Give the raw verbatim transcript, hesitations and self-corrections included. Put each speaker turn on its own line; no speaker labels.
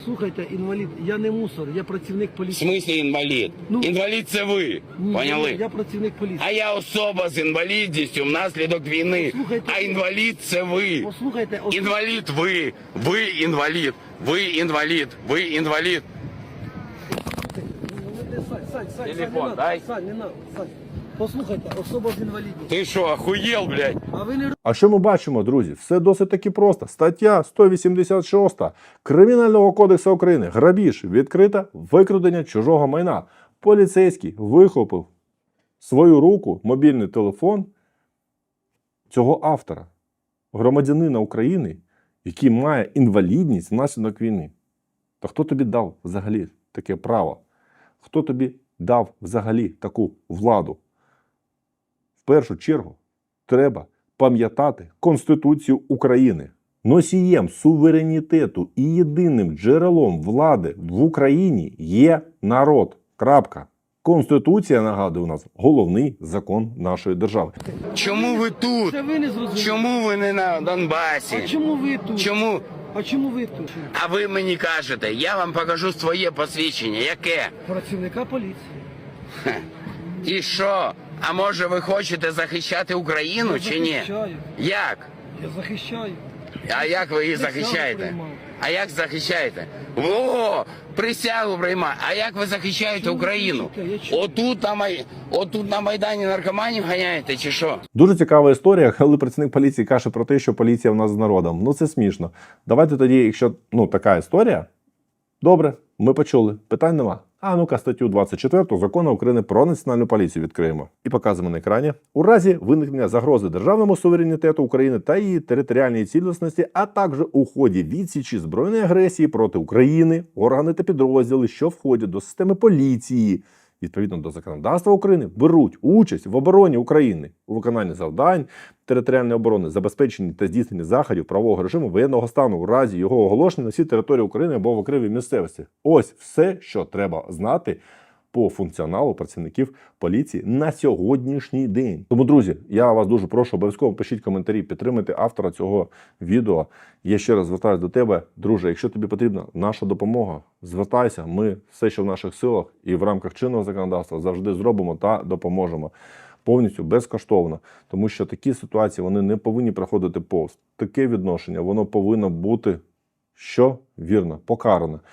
Слухайте, інвалід, я не мусор, я працівник
В
поліції.
смислі інвалід?
Ну,
Інвалід це ви,
Ні,
поняли?
Я, я працівник поліції.
А я особа з інвалідністю внаслідок війни.
Послухайте,
А інвалід це ви.
Послухайте, ос...
Інвалід ви. Ви інвалід. Ви інвалід. Ви інвалід.
Сань, Сань, Сань,
Телефон
Сань,
дай.
Сань, не надо, Сань. Послухайте, особа з інвалідністю.
Ти що, охуєл, блядь?
А ви не
А що ми бачимо, друзі? Все досить таки просто. Стаття сто вісімдесят шість Кримінального кодексу України. Грабіж, відкрите викрадення чужого майна. Поліцейський вихопив свою руку, мобільний телефон цього автора, громадянина України, який має інвалідність внаслідок війни. Та хто тобі дав взагалі таке право? Хто тобі дав взагалі таку владу? В першу чергу треба пам'ятати Конституцію України. Носієм суверенітету і єдиним джерелом влади в Україні є народ. Крапка. Конституція, нагадую, у нас головний закон нашої держави.
Чому ви тут?
Це ви не зрозуміли.
Чому ви не на Донбасі?
А чому ви тут?
Чому?
А чому ви тут?
А ви мені кажете, я вам покажу своє посвідчення. Яке?
Працівника поліції.
І що? А може ви хочете захищати Україну
Я
чи ні?
захищаю.
Як?
Я захищаю.
А як ви її
Присягу
захищаєте?
приймав.
А як захищаєте? О, присягу приймає. А як ви захищаєте
Чого ви
Україну?
кричите? Я чую.
Отут на, Май... Отут на Майдані наркоманів ганяєте чи що?
Дуже цікава історія, коли працівник поліції каже про те, що поліція в нас з народом. Ну це смішно. Давайте тоді, якщо ну, така історія, добре, ми почули, питань нема. А ну-ка, статтю двадцять четверту Закону України про національну поліцію відкриємо. І показуємо на екрані. У разі виникнення загрози державному суверенітету України та її територіальній цілісності, а також у ході відсічі збройної агресії проти України, органи та підрозділи, що входять до системи поліції, відповідно до законодавства України, беруть участь в обороні України у виконанні завдань територіальної оборони, забезпеченні та здійсненні заходів правового режиму воєнного стану у разі його оголошення на всій території України або в окремій місцевості. Ось все, що треба знати по функціоналу працівників поліції на сьогоднішній день. Тому, друзі, я вас дуже прошу, обов'язково пишіть коментарі, підтримайте автора цього відео. Я ще раз звертаюся до тебе, друже, якщо тобі потрібна наша допомога, звертайся, ми все, що в наших силах і в рамках чинного законодавства завжди зробимо та допоможемо. Повністю безкоштовно, тому що такі ситуації, вони не повинні проходити повз. Таке відношення, воно повинно бути, що вірно, покаране.